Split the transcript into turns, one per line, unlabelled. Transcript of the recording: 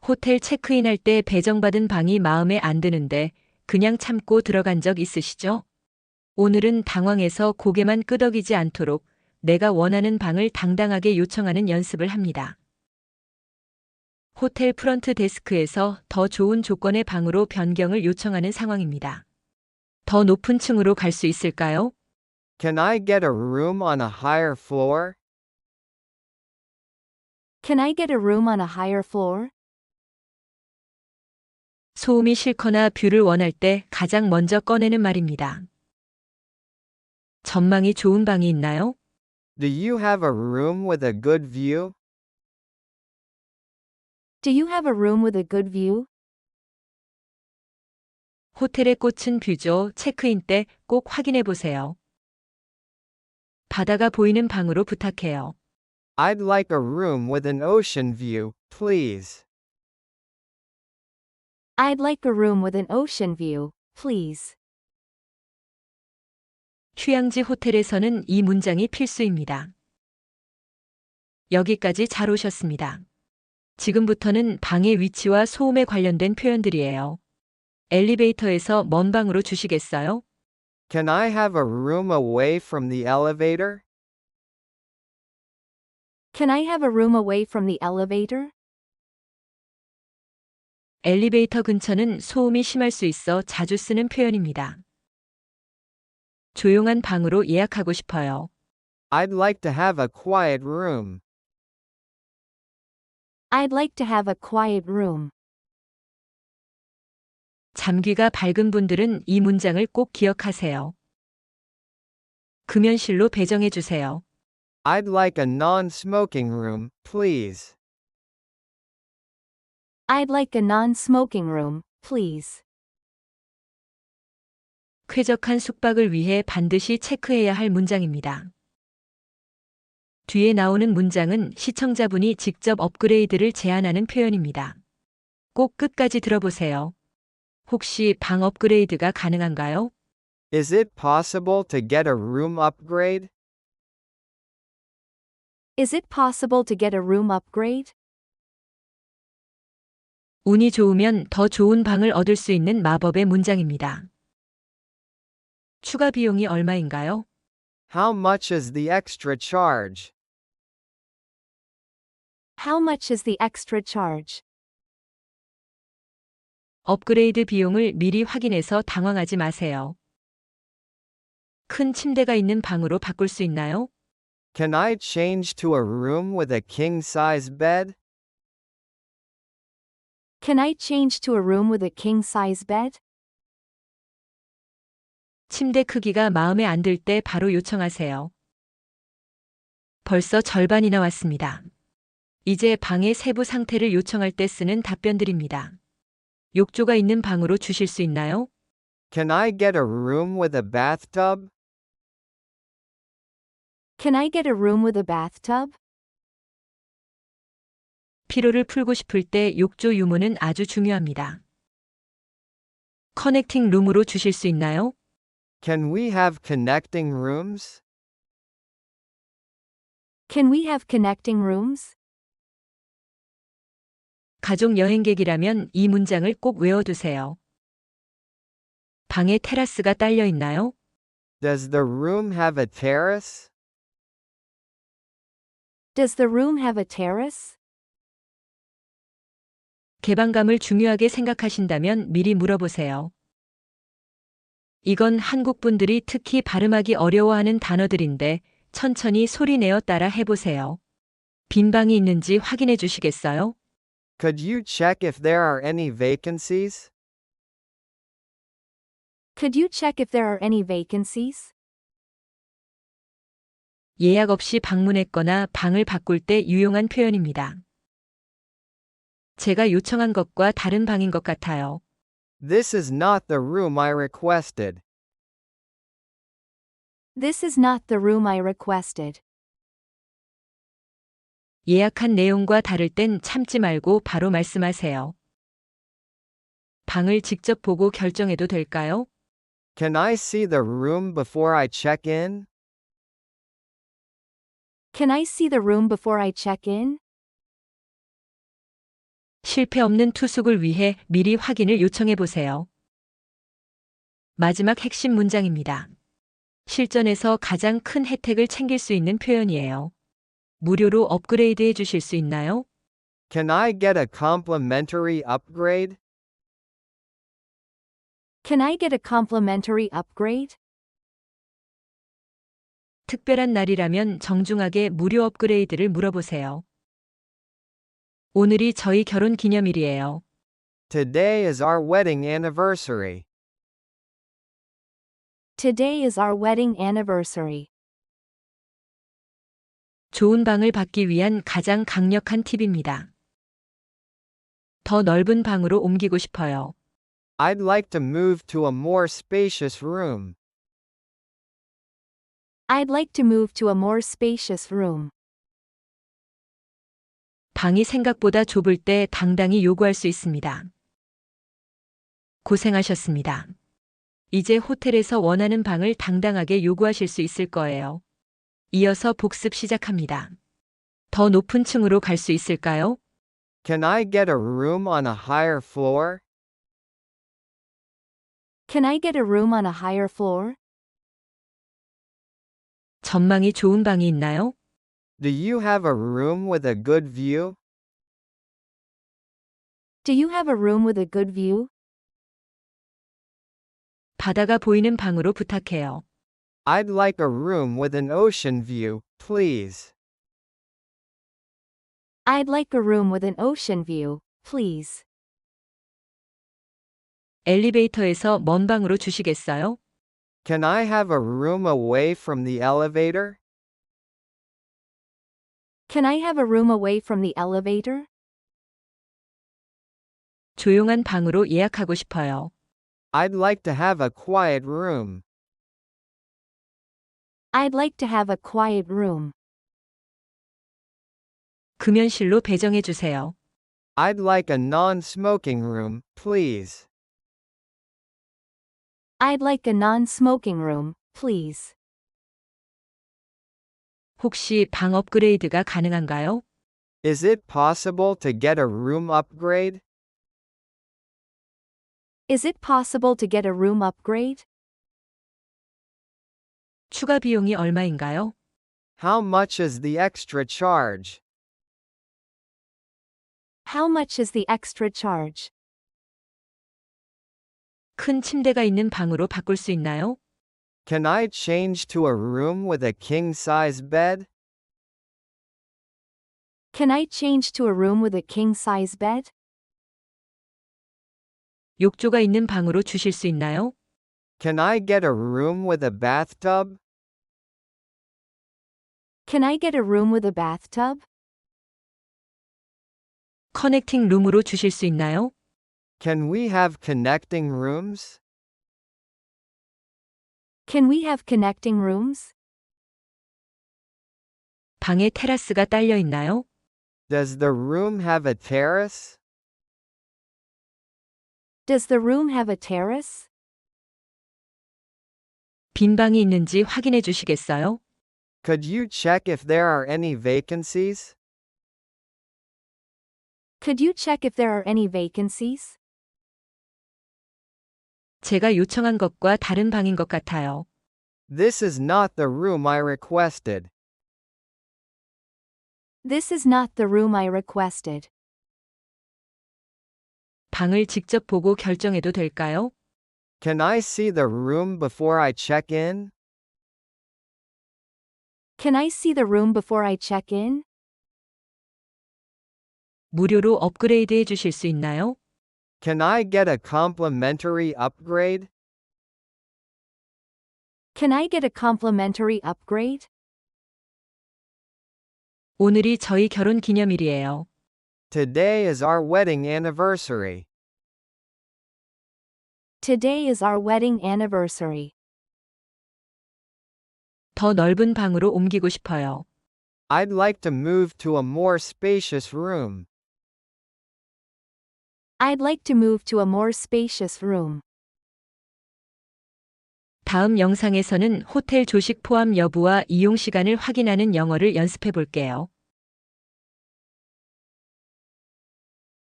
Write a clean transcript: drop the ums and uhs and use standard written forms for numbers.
호텔 체크인할 때 배정받은 방이 마음에 안 드는데 그냥 참고 들어간 적 있으시죠? 오늘은 당황해서 고개만 끄덕이지 않도록 내가 원하는 방을 당당하게 요청하는 연습을 합니다. 호텔 프런트 데스크에서 더 좋은 조건의 방으로 변경을 요청하는 상황입니다. 더 높은 층으로 갈 수 있을까요?
Can I get a room on a higher floor?
Can I get a room on a higher floor?
소음이 싫거나 뷰를 원할 때 가장 먼저 꺼내는 말입니다. 전망이 좋은 방이 있나요?
Do you have a room with a good view?
Do you have a room with a good view?
호텔의 꽃은 뷰죠. 체크인 때 꼭 확인해 보세요. 바다가 보이는 방으로 부탁해요.
I'd like a room with an ocean view, please.
I'd like a room with an ocean view, please.
휴양지 호텔에서는 이 문장이 필수입니다. 여기까지 잘 오셨습니다. 지금부터는 방의 위치와 소음에 관련된 표현들이에요. 엘리베이터에서 먼 방으로 주시겠어요?
Can I have a room away from the elevator?
Can I have a room away from the elevator?
엘리베이터 근처는 소음이 심할 수 있어 자주 쓰는 표현입니다. 조용한 방으로 예약하고 싶어요.
I'd like to have a quiet room.
I'd like to have a quiet room.
잠귀가 밝은 분들은 이 문장을 꼭 기억하세요. 금연실로 배정해 주세요.
I'd like a non-smoking room, please.
I'd like a non-smoking room, please.
쾌적한 숙박을 위해 반드시 체크해야 할 문장입니다. 뒤에 나오는 문장은 시청자분이 직접 업그레이드를 제안하는 표현입니다. 꼭 끝까지 들어보세요. 혹시 방 업그레이드가 가능한가요?
Is it possible to get a room upgrade?
Is it possible to get a room upgrade?
운이 좋으면 더 좋은 방을 얻을 수 있는 마법의 문장입니다. 추가 비용이 얼마인가요?
How much is the extra charge?
How much is the extra charge?
업그레이드 비용을 미리 확인해서 당황하지 마세요. 큰 침대가 있는 방으로 바꿀 수 있나요?
Can I change to a room with a king-size bed?
Can I change to a room with a king-size bed?
침대 크기가 마음에 안 들 때 바로 요청하세요. 벌써 절반이나 왔습니다. 이제 방의 세부 상태를 요청할 때 쓰는 답변들입니다. 욕조가 있는 방으로 주실 수 있나요?
Can I get a room with a bathtub?
Can I get a room with a bathtub?
피로를 풀고 싶을 때 욕조 유무는 아주 중요합니다. 커넥팅 룸으로 주실 수 있나요?
Can we have connecting rooms?
Can we have connecting rooms?
가족 여행객이라면 이 문장을 꼭 외워두세요. 방에 테라스가 딸려 있나요?
Does the room have a terrace?
Does the room have a terrace?
개방감을 중요하게 생각하신다면 미리 물어보세요. 이건 한국 분들이 특히 발음하기 어려워하는 단어들인데 천천히 소리내어 따라 해보세요. 빈 방이 있는지 확인해 주시겠어요?
Could you check if there are any vacancies?
Could you check if there are any vacancies?
예약 없이 방문했거나 방을 바꿀 때 유용한 표현입니다. 제가 요청한 것과 다른 방인 것 같아요.
This is not the room I requested.
This is not the room I requested.
예약한 내용과 다를 땐 참지 말고 바로 말씀하세요. 방을 직접 보고 결정해도 될까요?
Can I see the room before I check in?
Can I see the room before I check in?
실패 없는 투숙을 위해 미리 확인을 요청해 보세요. 마지막 핵심 문장입니다. 실전에서 가장 큰 혜택을 챙길 수 있는 표현이에요. 무료로 업그레이드 해 주실 수 있나요?
Can I get a complimentary upgrade?
Can I get a complimentary upgrade?
특별한 날이라면 정중하게 무료 업그레이드를 물어보세요. 오늘이 저희 결혼 기념일이에요.
Today is our wedding anniversary.
Today is our wedding anniversary.
좋은 방을 받기 위한 가장 강력한 팁입니다. 더 넓은 방으로 옮기고 싶어요.
I'd like to move to a more spacious room.
I'd like to move to a more spacious room.
방이 생각보다 좁을 때 당당히 요구할 수 있습니다. 고생하셨습니다. 이제 호텔에서 원하는 방을 당당하게 요구하실 수 있을 거예요. 이어서 복습 시작합니다. 더 높은 층으로 갈 수 있을까요?
Can I get a room on a higher floor?
Can I get a room on a higher floor?
전망이 좋은 방이 있나요?
Do you have a room with a good view?
Do you have a room with a good view?
바다가 보이는 방으로 부탁해요.
I'd like a room with an ocean view, please.
I'd like a room with an ocean view, please.
엘리베이터에서 먼 방으로 주시겠어요?
Can I have a room away from the elevator?
Can I have a room away from the elevator?
조용한 방으로 예약하고 싶어요.
I'd like to have a quiet room.
I'd like to have a quiet room.
금연실로 배정해 주세요.
I'd like a non-smoking room, please.
I'd like a non-smoking room, please.
혹시 방 업그레이드가 가능한가요?
Is it possible to get a room upgrade?
Is it possible to get a room upgrade?
추가 비용이 얼마인가요?
How much is the extra charge?
How much is the extra charge?
큰 침대가 있는 방으로 바꿀 수 있나요?
Can I change to a room with a king-size bed?
Can I change to a room with a king-size bed?
욕조가 있는 방으로 주실 수 있나요?
Can I get a room with a bathtub?
Can I get a room with a bathtub?
커넥팅 룸으로 주실 수 있나요?
Can we have connecting rooms?
Can we have connecting rooms?
방에 테라스가 딸려 있나요?
Does the room have a terrace?
Does the room have a terrace?
빈 방이 있는지 확인해 주시겠어요?
Could you check if there are any vacancies?
Could you check if there are any vacancies?
제가 요청한 것과 다른 방인 것 같아요.
This is not the room I requested.
This is not the room I requested.
방을 직접 보고 결정해도 될까요?
Can I see the room before I check in?
Can I see the room before I check in?
무료로 업그레이드 해 주실 수 있나요?
Can I get a complimentary upgrade?
Can I get a complimentary upgrade?
오늘이 저희 결혼 기념일이에요.
Today is our wedding anniversary.
Today is our wedding anniversary.
더 넓은 방으로 옮기고 싶어요.
I'd like to move to a more spacious room.
I'd like to move to a more spacious room.
다음 영상에서는 호텔 조식 포함 여부와 이용 시간을 확인하는 영어를 연습해 볼게요.